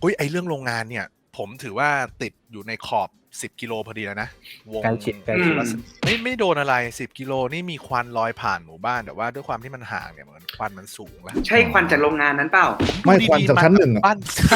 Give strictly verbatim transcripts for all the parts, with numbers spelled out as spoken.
อุ้ยไอเรื่องโรงงานเนี่ยผมถือว่าติดอยู่ในขอบสิบกิโลพอดีแล้วนะวงใกล้ชิดใกล้ชิดไม่ไม่โดนอะไรสิบกิโลนี่มีควันลอยผ่านหมู่บ้านแต่ว่าด้วยความที่มันห่างเนี่ยเหมือนควันมันสูงแล้วใช่ควันจากโรงงานนั้นเปล่าไม่ควันจากชั้นหนึ่งบ้าน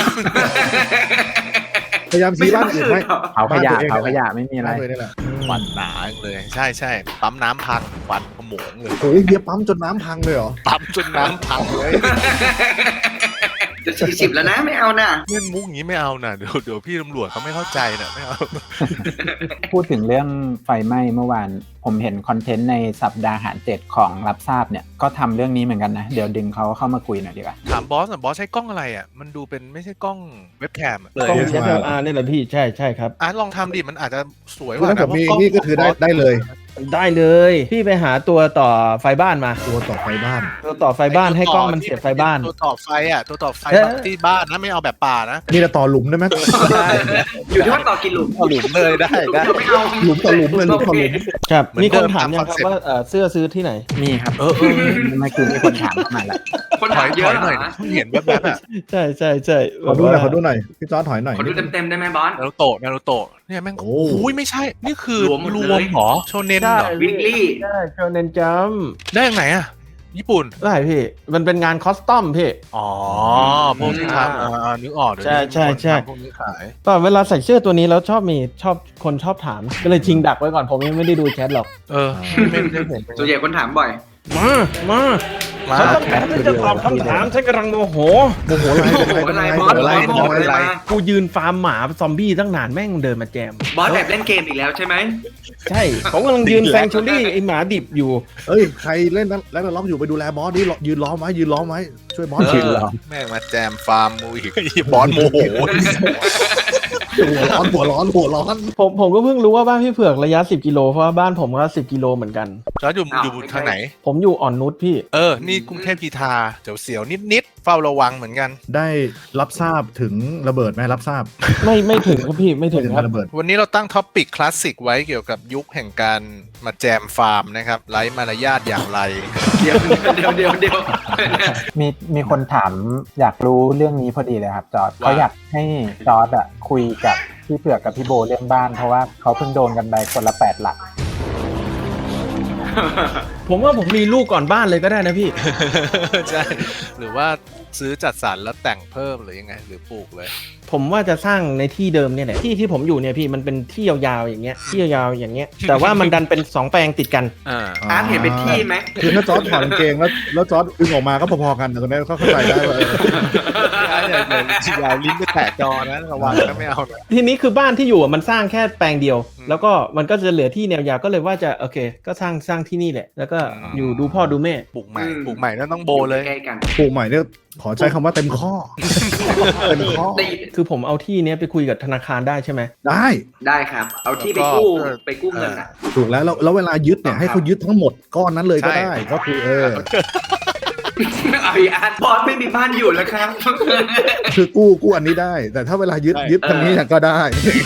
พยายามชี้บ้านอื่นไหมเผาขยะเผาขยะไม่มีอะไรควันหนาเลยใช่ใช่ปั๊มน้ำพังควันขโมงเลยโอ้ยเบียร์ปั๊มจนน้ำพังเลยเหรอปั๊มจนน้ำพังเลยจะสี่สิบแล้วนะไม่เอานะเล่นมุกอย่างนี้ไม่เอานะเดี๋ยวเดี๋ยวพี่ตำรวจเขาไม่เข้าใจนะไม่เอาพูดถึงเรื่องไฟไหม้เมื่อวานผมเห็นคอนเทนต์ในสัปดาห์หารเจ็ดของรับทราบเนี่ยก็ทำเรื่องนี้เหมือนกันนะเดี๋ยวดึงเขาเข้ามาคุยหน่อยดีกว่าถามบอสอ่ะบอสใช้กล้องอะไรอ่ะมันดูเป็นไม่ใช่กล้องเว็บแคมเลยกล้อง เอส แอล อาร์ นี่แหละพี่ใช่ใช่ครับอ่ะลองทำดิมันอาจจะสวยกคือว่าถ้าเกิดมีเพราะล้งนี่ก็คือได้ได้เลยได้เลยพี่ไปหาตัวต่อไฟบ้านมาตัวต่อไฟบ้านตัวต่อไฟบ้านให้กล้องมันเสียบไฟบ้านตัวต่อไฟอ่ะตัวต่อไฟเอ๊ะแบบที่บ้านนะไม่เอาแบบป่านะนี่จะต่อหลุมได้ไหมได้อยู่ที่ว่าต่อกี่หลุมหลุมเลยได้ได้ไม่เอาหลุมต่อหลุมเลยหลุมต่อหลุมครับเหมือนมีคนเดิมถามยังตามครับ concept ว่าเอ่อเสื้อซื้อที่ไหนมีครับเออเออเมื่อกี้มีคนถามเข้ามาแล้วคนถถาอมยเยถอะอยหน่อยเหรอเห็นแบบๆอ่ะใช่ใช่ใช่ขอดูหน่อยว่าขอดูหน่อยพี่จอร์จถอยหน่อยขอดูเต็มๆได้ไหมบอสนารูโตะนารูโตะเนี่ยแม่งโอ้โอ้ยไม่ใช่นี่คือรวมหมดรเลวย มเหรอโชเนนเหรอวิกลี่ใช่โชเนนจัมได้ยังไงอ่ะญี่ปุ่นได้พี่มันเป็นงานคอสตอมพี่อ๋อพวกที่ทำอ่านึกออกเดี๋ยวใช่นี้ใช่ใช่พวกนี้ขายตอนเวลาใส่เสื้อตัวนี้แล้วชอบมีชอบคนชอบถามก็เลยทิ้งดักไว้ก่อนผมยังไม่ได้ดูแชทหรอกเออไม่ได้เห็นส่วนใหญ่คนถามบ่อยมามามาฉันต้องการที่จะตอบคำถามฉันกำลังโมโหโมโหอะไรโอ้โหอะไรบอสอะไรบอสโมโมโหโหอะไรอะไรมากูยืนฟาร์มหมาซอมบี้ตั้งนานแม่งเดินมาแจมบอสแบบเล่นเกมอีกแล้วใช่ไหมใช่ผมกำลังยืนแฟงชูรี่ไอหมาดิบอยู่เอ้ยใครเล่นแล้วล็อกอยู่ไปดูแลบอสนี่ยืนล้อมไว้ยืนล้อมไว้ช่วยบอสเอฉีดอเหรอแม่งมาแจมฟาร์มมูอีกบอสโมโหหัวร้อนหัวร้อนหัวร้อนผมผมก็เพิ่งรู้ว่าบ้านพี่เผือกระยะสิบกิโลเพราะว่าบ้านผมก็สิบกิโลเหมือนกันจอร์จอยู่อยู่ทางไหนผมอยู่อ่อนนุชพี่เออ นี่กรุงเทพกีทาเสียวเสียวนิดนิดๆเฝ้าระวังเหมือนกันได้รับทราบถึงระเบิดไหมรับทราบไม่ไม่ถึงครับพี่ไม่ถึงถึงครับระเบิดวันนี้เราตั้งท็อปปิกคลาสสิกไว้เกี่ยวกับยุคแห่งการมาแจมฟาร์มนะครับไร้มารยาทอย่างไรเดี๋ยวเดี๋ยวเดี๋ยวเดี๋ยวมีมีคนถามอยากรู้เรื่องนี้พอดีเลยครับจอร์ดว่าเขาอยากให้จอร์ดอะคุยกับพี่เผือกกับพี่โบเรื่องบ้านเพราะว่าเขาเพิ่งโดนกันไปคนละแปดหลักผมว่าผมมีลูกก่อนบ้านเลยก็ได้นะพี่ใช่หรือว่าซื้อจัดสรรแล้วแต่งเพิ่มหรือยังไง หรือปลูกเลยผมว่าจะสร้างในที่เดิมเนี่ยแหละที่ที่ผมอยู่เนี่ยพี่มันเป็นที่ยาวๆอย่างเงี้ยที่ยาวๆอย่างเงี้ยแต่ว่ามันดันเป็นสองแปลงติดกันอ่าอาร์ตเห็นเป็นที่ไหมคือถ้าจอร์จถอดกางเกงแล้วแล้วจอร์จดึงออกมาก็พอๆกันแต่ตอนนี้เขาเข้าใจได้ว่าเอออย่าอย่าอย่าลิ้นไปแตะจอนะระวังนะไม่เอานะทีนี้คือบ้านที่อยู่อะมันสร้างแค่แปลงเดียวอืมแล้วก็มันก็จะเหลือที่แนวยาวก็เลยว่าจะโอเค ก็สร้างสร้างที่นี่แหละ แล้วก็อืมอยู่ดูพ่อดูแม่ปลูกใหม่ปลูกใหม่แล้วต้องโบเลยใกล้ๆกันปลูกใหม่เนี่ยขอใช้คำว่าเต็มข้อ เต็มข้อได้คือผมเอาที่เนี้ยไปคุยกับธนาคารได้ใช่ไหมได้ได้ครับ เอาที่ไปกู้ไปกู้เงินอ่ะถูกแล้วแล้วแล้วเวลายึดเนี่ยให้เขายึดทั้งหมดก้อนนั้นเลยก็ได้ก็คือเออเอาอีอาร์ตบอสไม่มีบ้านอยู่แล้วครับคือกู้กู้อันนี้ได้ แต่ถ้าเวลายึดยึดทางนี้เนี่ยก็ได้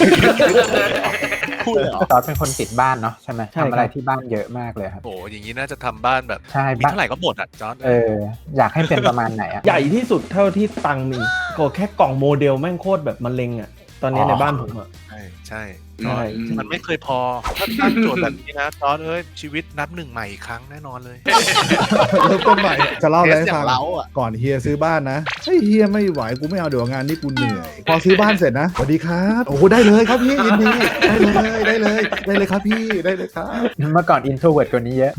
พูดเลยเหรอจอร์ดเป็นคนติดบ้านเนาะใช่ไหมใช่ครับทำอะไรที่บ้านเยอะมากเลยครับโอ้อย่างนี้น่าจะทำบ้านแบบใช่มีบ้านเท่าไหร่ก็หมดอ่ะจอร์จเอออยากให้เป็นประมาณไหนอะใหญ่ที่สุดเท่าที่ตังค์มีก็แค่กล่องโมเดลแม่งโคตรแบบมะเร็งอ่ะตอนนี้ในบ้านผมอ่ะใช่ใช่ใช่มันไม่เคยพอถ้าตั้งโจทย์แบบนี้นะจอร์จเอ้ยชีวิตนับหนึ่งใหม่อีกครั้งแน่นอนเลยเริ่มต้นใหม่จะเล่าอะไรให้อย่าฟังงเล้าอ่ะก่อนเฮียซื้อบ้านนะเฮ้ยเฮียไม่ไหวกูไม่เอาเดี๋ยวงานนี้กูเหนื่อย พอซื้อบ้านเสร็จนะสวัสดีครับโอ้โหได้เลยครับพี่ยินดีได้เลยได้เลยได้เลยครับพี่ได้เลยครับเมื่อก่อนอินโทรเวิร์ดกว่านี้เยอะ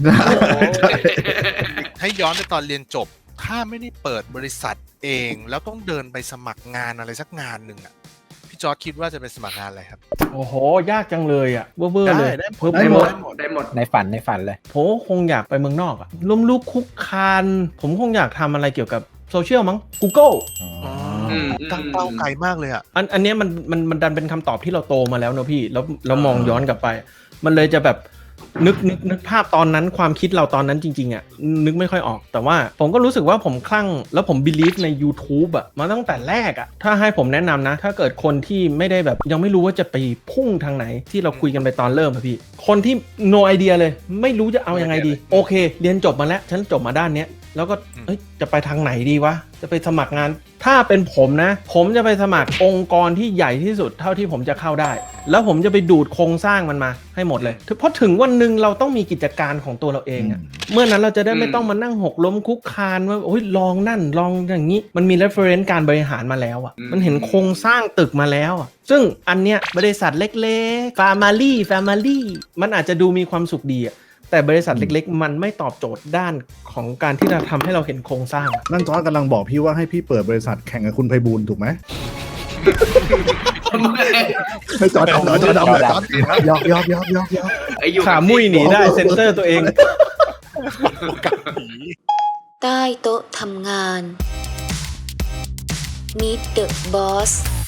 ให้ย้อนไปตอนเรียนจบ ถ้าไม่ได้เปิดบริษัทเอง แล้วต้องเดินไปสมัครงานอะไรสักงานหนึ่งอ่ะพี่จอร์จคิดว่าจะไปสมัครงานอะไรครับโอ้โหยากจังเลยอ่ะเบ้อๆเลยได้เพิ่มได้ไปหหมมดดได้หมดในฝันในฝันเลยผมคงอยากไปเมืองนอกอ่ะล้มลุกคุกคานผมคงอยากทำอะไรเกี่ยวกับโซเชียลมั้ง Google อืมตั้งเป้าไกลมากเลยอ่ะอันอันเนี้ยมันมันมันดันเป็นคำตอบที่เราโตมาแล้วเนอะพี่แล้วแล้วมองย้อนกลับไป มันเลยจะแบบนึกนึกนึกภาพตอนนั้นความคิดเราตอนนั้นจริงๆอ่ะนึกไม่ค่อยออกแต่ว่าผมก็รู้สึกว่าผมคลั่งแล้วผม believe ใน YouTube อ่ะมาตั้งแต่แรกอ่ะถ้าให้ผมแนะนำนะ ถ้าเกิดคนที่ไม่ได้แบบยังไม่รู้ว่าจะไปพุ่งทางไหนที่เราคุยกันไปตอนเริ่มอะพี่คนที่ no idea เลยไม่รู้จะเอายังไงดีโอเคเรียนจบมาแล้วฉันจบมาด้านเนี้ยแล้วก็เอ้ยจะไปทางไหนดีวะจะไปสมัครงานถ้าเป็นผมนะ ผมจะไปสมัครองค์กรที่ใหญ่ที่สุดเท่าที่ผมจะเข้าได้ แล้วผมจะไปดูดโครงสร้างมันมาให้หมดเลยเพราะถึงวันหนึ่งเราต้องมีกิจการของตัวเราเองอะเมื่อนั้นเราจะได้ไม่ต้องมานั่งหกล้มคุกคานว่าโอ้ยลองนั่นลองอย่างนี้มันมี reference การบริหารมาแล้วอะมันเห็นโครงสร้างตึกมาแล้วอะซึ่งอันเนี้ยบริษัทเล็กๆ family family มันอาจจะดูมีความสุขดีอะแต่บริษัทเล็กๆมันไม่ตอบโจทย์ด้านของการที่จะทำให้เราเห็นโครงสร้างนั่นจอร์จกำลังบอกพี่ว่าให้พี่เปิดบริษัทแข่งกับคุณไพบูลย์ถูกไหมไม่จอร์จดำเหรอจอร์จดำเหรอจอร์จยอกยอกยอกยอกยอกไอ้อยู่ขามุ้ยหนีได้เซ็นเซอร์ตัวเองใต้โต๊ะทำงาน Meet the Boss